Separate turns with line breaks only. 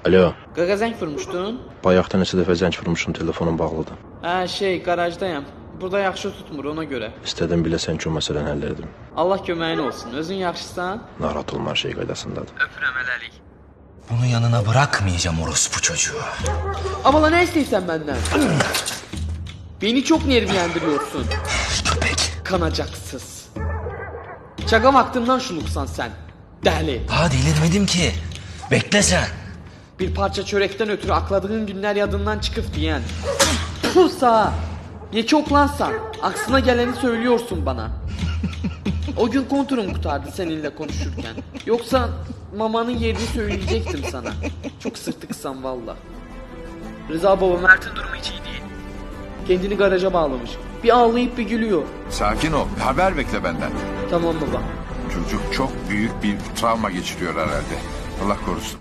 Alo.
Qaqa zəng vurmuşdun?
Bayaqda neçə dəfə zəng vurmuşum, telefonum bağlıdır.
Qarajdayam. Burada yaxşı tutmur ona görə.
İstədim biləsən ki, o məsələni həll edim.
Allah köməyin olsun. Özün yaxşısan?
Narahat olma, her şey qaydasındadır.
Öpürəm hələlik.
Bunu yanına bırakmayacağım orospu çocuğu.
Abala ne istiyorsan benden? Beni çok nervlendiriyorsun.
Köpek.
Kanacaksız. Şaka vaktından şuluksan sen. Deli.
Daha delirmedim ki. Bekle sen.
Bir parça çörekten ötürü akladığın günler yadından çıkıp diyen. Puh sağa. Ne çok lansan. Aksına geleni söylüyorsun bana. O gün konturum kurtardı seninle konuşurken. Yoksa mamanın yerini söyleyecektim sana. Çok sırtıksan valla. Rıza baba Mert'in durumu hiç iyi değil. Kendini garaja bağlamış. Bir ağlayıp bir gülüyor.
Sakin ol. Haber bekle benden.
Tamam baba.
Çocuk çok büyük bir travma geçiriyor herhalde. Allah korusun.